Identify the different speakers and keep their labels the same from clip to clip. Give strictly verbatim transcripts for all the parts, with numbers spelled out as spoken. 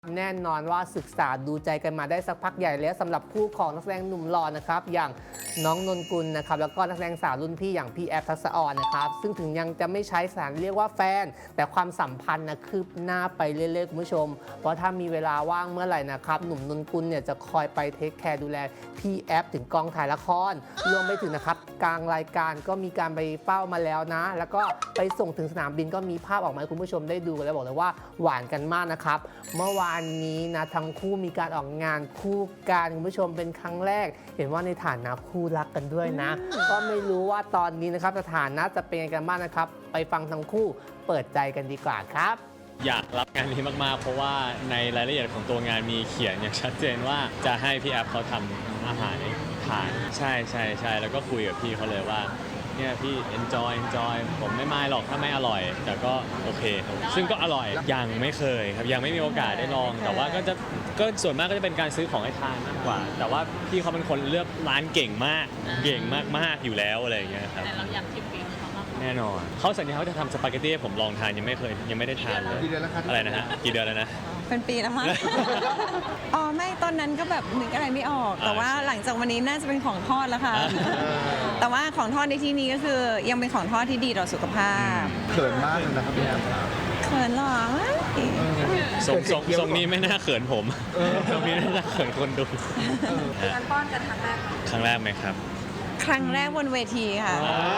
Speaker 1: แน่นอนว่าศึกษาดูใจกันมาได้สักพักใหญ่แล้วสำหรับคู่ของนักแสดงหนุ่มหล่อนะครับอย่างน้องนนกุลนะครับแล้วก็นักแสดงสาวรุ่นพี่อย่างพี่แอฟทักษะอ่อนนะครับซึ่งถึงยังจะไม่ใช้สถานเรียกว่าแฟนแต่ความสัมพันธ์นะคืบหน้าไปเรื่อยๆคุณผู้ชมเพราะถ้ามีเวลาว่างเมื่อไหร่นะครับหนุ่มนนกุลเนี่ยจะคอยไปเทคแคร์ดูแลพี่แอฟถึงกองถ่ายละครรวมไปถึงนะครับกลางรายการก็มีการไปเฝ้ามาแล้วนะแล้วก็ไปส่งถึงสนามบินก็มีภาพออกมาให้คุณผู้ชมได้ดูกันแล้วบอกเลยว่าหวานกันมากนะครับเมื่อวานนี้นะทั้งคู่มีการออกงานคู่กันคุณผู้ชมเป็นครั้งแรกเห็นว่าในฐานะคู่รักกันด้วยนะก็ไม่รู้ว่าตอนนี้นะครับสถานะจะเป็นยังไงกันบ้างนะครับไปฟังทั้งคู่เปิดใจกันดีกว่าครับ
Speaker 2: อยากรับงานนี้มากๆเพราะว่าในรายละเอียดของตัวงานมีเขียนอย่างชัดเจนว่าจะให้พี่แอฟเขาทำอาหารให้ทานใช่ใช่ใช่แล้วก็คุยกับพี่เขาเลยว่าเนี่ยพี่ enjoy enjoy ผมไม่ไม่หรอกถ้าไม่อร่อย แต่ก็โอเคซึ่งก็อร่อยยังไม่เคยครับยังไม่มีโอกาสได้ลองแต่ว่าก็จะก็ส่วนมากก็จะเป็นการซื้อของให้ทานมากกว่าแต่ว่าพี่เขาเป็นคนเลือกร้านเก่งมากเก่งมากๆอยู่แล้วอะไรอย่างเงี้ยครับ
Speaker 3: แต่เราอยากชิมฝีมือเขามาก
Speaker 2: แน่นอนเขาสัญญาเขาจะทำสปาเกตตี้ให้ผมลองทานยังไม่เคยยังไม่ได้ทานเลย
Speaker 4: กี่เดือนแล้วครับ
Speaker 2: อะไรนะฮะกี่เดือนแล้วนะ
Speaker 5: เป็นปีแล้วมั้ง อ๋อไม่ตอนนั้นก็แบบนึกอะไรไม่ออก แต่ว่าหลังจากวันนี้น่าจะเป็นของทอดแล้วค่ะ แต่ว่าของทอดในที่นี้ก็คือยังเป็นของทอดที่ดีต่อสุขภาพ
Speaker 4: เขินมากเลยนะครับพี่แอมครับ
Speaker 5: เขินหรอ
Speaker 2: ทรงทรงทรงนี้ไม่น่าเขินผมทรงนี้น่าเขินคนดู
Speaker 3: การป้อนกันครั้งแรก
Speaker 2: ครั้งแรกไหมครับ
Speaker 5: ครั้งแรกบนเวทีค่ะ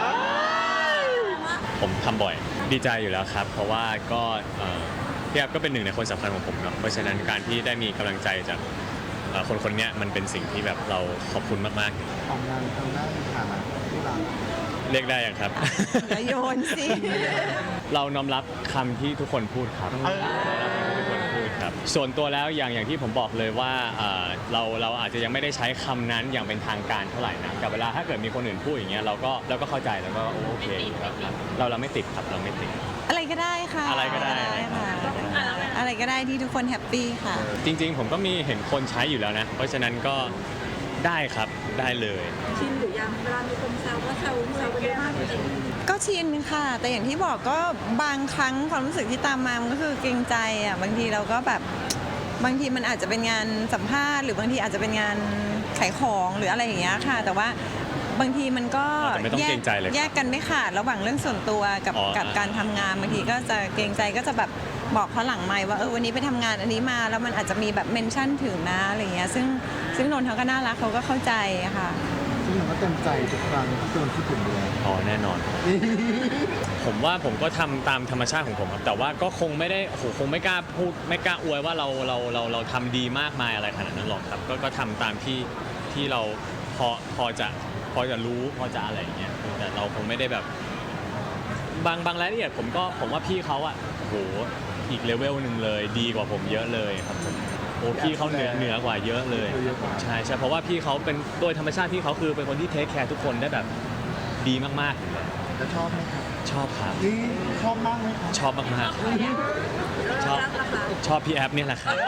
Speaker 2: ผมทำบ่อยดีใจอยู่แล้วครับเพราะว่าก็พี่แอฟก็เป็นหนึ่งในคนสำคัญของผมเนาะเพราะฉะนั้นการที่ได้มีกำลังใจจากคนคนนี้มันเป็นสิ่งที่แบบเราขอบคุณมาก
Speaker 4: ๆของงานทางด้านฐานะที่รัก
Speaker 2: เรียกได้ยังครับ
Speaker 5: โยนสิ
Speaker 2: เราน้อมรับคำที่ทุกคนพูดครับทุกคนพูดครับส่วนตัวแล้วอย่างอย่างที่ผมบอกเลยว่าเราเราอาจจะยังไม่ได้ใช้คำนั้นอย่างเป็นทางการเท่าไหร่นะกับเวลาถ้าเกิดมีคนอื่นพูดอย่างเงี้ยเราก็เราก็เข้าใจแล้วก็โอเคครับเราเราไม่ติดครับเราไม่ติด
Speaker 5: อะไรก็ได้ค่ะ
Speaker 2: อะไรก็ได้
Speaker 5: ค่ะอะไรก็ได้ที่ทุกคนแฮปปี้ค่ะ
Speaker 2: จริงๆผมก็มีเห็นคนใช้อยู่แล้วนะเพราะฉะนั้นก็ได้ครับได้เลย
Speaker 3: ชินหรือยังเวลามีคนแซวว่าแซวแซวกันเยอะมากจริง
Speaker 5: ก็ชินค่ะแต่อย่างที่บอกก็บางครั้งความรู้สึกที่ตามมามันก็คือเกรงใจอ่ะบางทีเราก็แบบบางทีมันอาจจะเป็นงานสัมภาษณ์หรือบางทีอาจจะเป็นงานขายของหรืออะไรอย่างเงี้ยค่ะแต่ว่าบางทีมันก็แยกแยกกันไม่ขาดระหว่างเรื่องส่วนตัวกับกับการทำงานบางทีก็จะเกรงใจก็จะแบบบอกเขาหลังไมค์ว่าเออวันนี้ไปทำงานอันนี้มาแล้วมันอาจจะมีแบบเมนชั่นถึงนะอะไรเงี้ยซึ่งซึ่งนนท์เขาก็น่ารักเขาก็เข้าใจค่ะ
Speaker 4: ซึ่งเราก็เต็มใจทุกครั้งที่โดนคิดถึงเลย
Speaker 2: อ๋อแน่นอนผมว่าผมก็ทำตามธรรมชาติของผมครับแต่ว่าก็คงไม่ได้โหคงไม่กล้าพูดไม่กล้าอวยว่าเราเราเราเราทำดีมากมายอะไรขนาดนั้นหรอกครับก็ก็ทำตามที่ที่เราพอพอจะพอจะรู้พอจะอะไรอย่างเงี้ยแต่เราคงไม่ได้แบบบางบางรายละเอียดผมก็ผมว่าพี่เขาอะโหอีกเลเวลหนึ่งเลยดีกว่าผมเยอะเลยครับผมโอ้พี่เขาเหนือเหนือกว่าเยอะเลยใช่ใช่เพราะว่าพี่เขาเป็นโดยธรรมชาติพี่เขาคือเป็นคนที่เทคแคร์ทุกคนได้แบบดีมากๆ
Speaker 4: แล้วชอบไหมครับ
Speaker 2: ชอบครับ
Speaker 4: ชอบมากไหมครับ
Speaker 2: ชอบมากๆชอบชอบพี่แอฟเนี่ยแหละครับ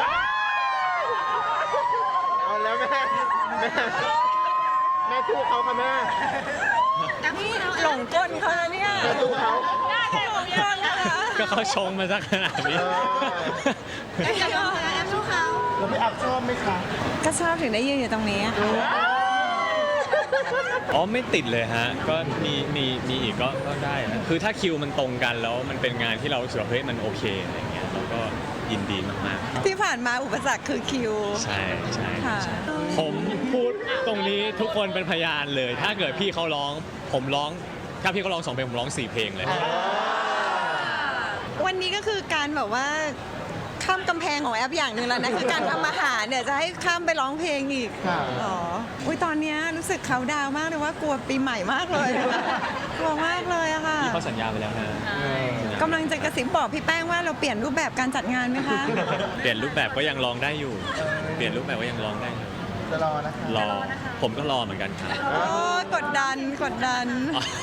Speaker 4: เอาแล้วแม่แม่แม่ทูเขาค่ะแม่
Speaker 5: หลงก้นเขาแล้วเนี่ย
Speaker 4: แม่ทูเขา
Speaker 5: หลงก้นแล้ว
Speaker 2: ก็เขาชงมาสักขนาดนี้
Speaker 3: แอฟชอบแอฟชอบเขา
Speaker 4: แล้วพี่แอฟชอบไหมคะ
Speaker 5: ก็ชอบถึงได้ยืนอยู่ตรงนี้
Speaker 2: อ๋อไม่ติดเลยฮะก็มีมีมีอีกก็ก็ได้นะคือถ้าคิวมันตรงกันแล้วมันเป็นงานที่เรารู้สึกว่าเฮ้ยมันโอเคอะไรเงี้ยเราก็ยินดีมาก
Speaker 5: ๆที่ผ่านมาอุปสรรคคือคิว
Speaker 2: ใช่ใช่ผมพูดตรงนี้ทุกคนเป็นพยานเลยถ้าเกิดพี่เขาร้องผมร้องถ้าพี่เขาร้องสองเพลงผมร้องสี่เพลงเลย
Speaker 5: วันนี้ก็คือการแบบว่าข้ามกำแพงของแอปอย่างหนึ่งแล้วนะคือการทำอาหารเนี่ยจะให้ข้ามไปร้องเพลงอีกอ๋ออุ้ยตอนนี้รู้สึกเขาดาวมากเลยว่ากลัวปีใหม่มากเลยกลัวมากเลยอะค่ะ
Speaker 2: พี่เขาสัญญาไปแล้วนะ
Speaker 5: กำลังจะกระซิบบอกพี่แป้งว่าเราเปลี่ยนรูปแบบการจัดงานไหมคะ
Speaker 2: เปลี่ยนรูปแบบก็ยังร้องได้อยู่เปลี่ยนรูปแบบก็ยังร้องได้อยู่
Speaker 4: จะรอนะคะ
Speaker 2: รอผมก็รอเหมือนกันครับ
Speaker 5: กดดันกดดัน